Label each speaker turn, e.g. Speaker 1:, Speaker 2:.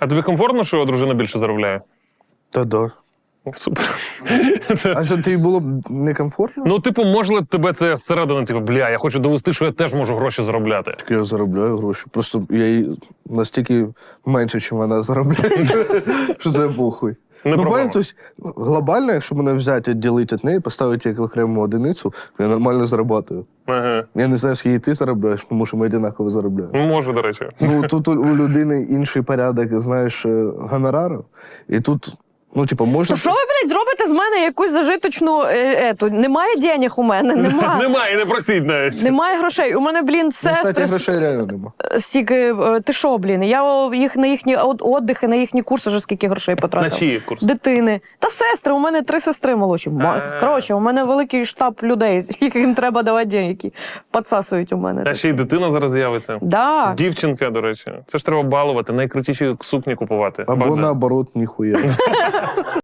Speaker 1: А тобі комфортно, що дружина більше заробляє?
Speaker 2: Та да.
Speaker 1: Супер.
Speaker 2: А це тобі було б некомфортно?
Speaker 1: Ну, типу, може тебе це зсередини, типу, бля, я хочу довести, що я теж можу гроші заробляти.
Speaker 2: Так я заробляю гроші. Просто я їй настільки менше, ніж вона заробляє, що це похуй.
Speaker 1: Не
Speaker 2: Ну,
Speaker 1: проблема.
Speaker 2: бачите, тобто, глобально, якщо мене взяти, відділити від неї, поставити як окрему одиницю, я нормально заробляю.
Speaker 1: Ага.
Speaker 2: Я не знаю, скільки ти заробляєш, тому що ми однаково заробляємо.
Speaker 1: Ну, може, до речі.
Speaker 2: Ну, тут у людини інший порядок, знаєш, гонорару. І тут, ну, типу, можна...
Speaker 3: То що ви, блядь, зробите з мене якусь зажиточну ету? Немає денег у мене, немає.
Speaker 1: Немає, не просіть навіть.
Speaker 3: Немає грошей. У мене, блін,
Speaker 2: Ну, кстати,
Speaker 3: сестри
Speaker 2: грошей реально нема.
Speaker 3: стільки. Ти що, блін? Я їх на їхні отдихи, на їхні курси вже скільки грошей
Speaker 1: На
Speaker 3: потратила.
Speaker 1: чиї курси?
Speaker 3: Дитини. Та сестри, у мене 3 сестри молодші. Коротше, у мене великий штаб людей, яким треба давати деньги, які підсасують у мене.
Speaker 1: Та ще й дитина зараз з'явиться.
Speaker 3: Да.
Speaker 1: Дівчинка, до речі. Це ж треба балувати, найкрутіші сукні купувати.
Speaker 2: Або
Speaker 1: Богдан.
Speaker 2: наоборот, ніхуя.